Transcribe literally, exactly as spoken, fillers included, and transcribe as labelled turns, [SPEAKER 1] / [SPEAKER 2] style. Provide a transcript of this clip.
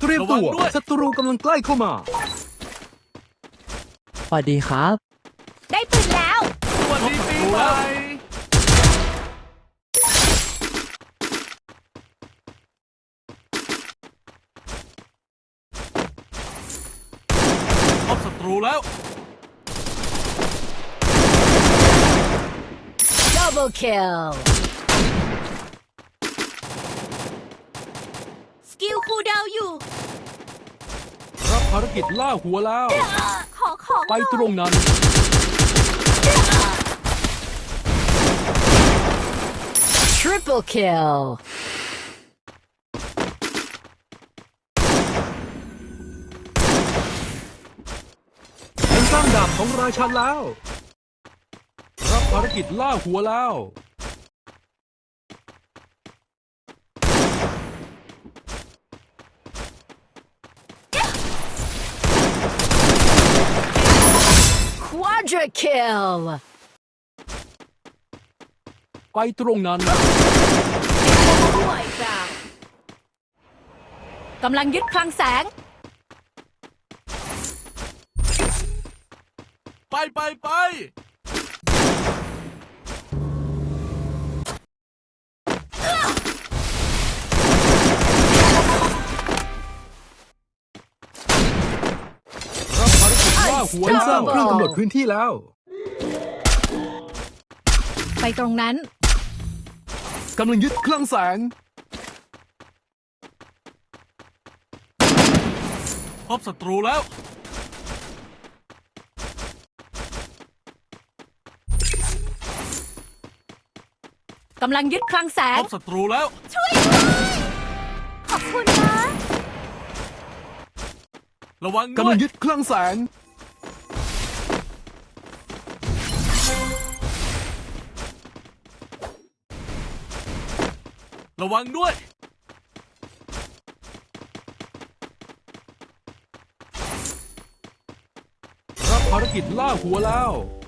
[SPEAKER 1] เตรียมตัวศัตรูกำลังใกล้เข้ามา
[SPEAKER 2] สวัสดีครับ
[SPEAKER 3] ได้ปืนแล้ว
[SPEAKER 4] สวัสดีปีใหม่พบศัตรูแล้ว
[SPEAKER 3] Double kill สกิลคูลดาวน์อยู่
[SPEAKER 1] รับภารกิจล่าหัวแล้ว
[SPEAKER 3] ขอของ
[SPEAKER 1] ไปตรงนั้น
[SPEAKER 3] Triple kill
[SPEAKER 1] ฉันสร้างดาบของราชันแล้ว รับภารกิจล่าหัวแล้ว
[SPEAKER 3] Quadra kill
[SPEAKER 1] ไปตรงนั้น
[SPEAKER 3] กำลังยึดคลังแสง
[SPEAKER 4] ไปไปไป
[SPEAKER 1] รับภารกิจล่าหัวฉันสร้างเครื่องกำหนดพื้นที่แล้ว
[SPEAKER 3] ไปตรงนั้น
[SPEAKER 1] กำลังยึดคลังแสง
[SPEAKER 4] พบศัตรูแล้ว
[SPEAKER 3] กำลังยึดคลังแส
[SPEAKER 4] พ
[SPEAKER 3] ง
[SPEAKER 4] บศัตรูแล้ว
[SPEAKER 3] ช่วยด้วยขอบคุณนะ
[SPEAKER 4] ระวังด้
[SPEAKER 1] กำ
[SPEAKER 4] ว
[SPEAKER 1] ลั
[SPEAKER 4] ย
[SPEAKER 1] งยึดคลังแสง
[SPEAKER 4] ระวังด้วย
[SPEAKER 1] รับภารกิจล่าหัวแล้ว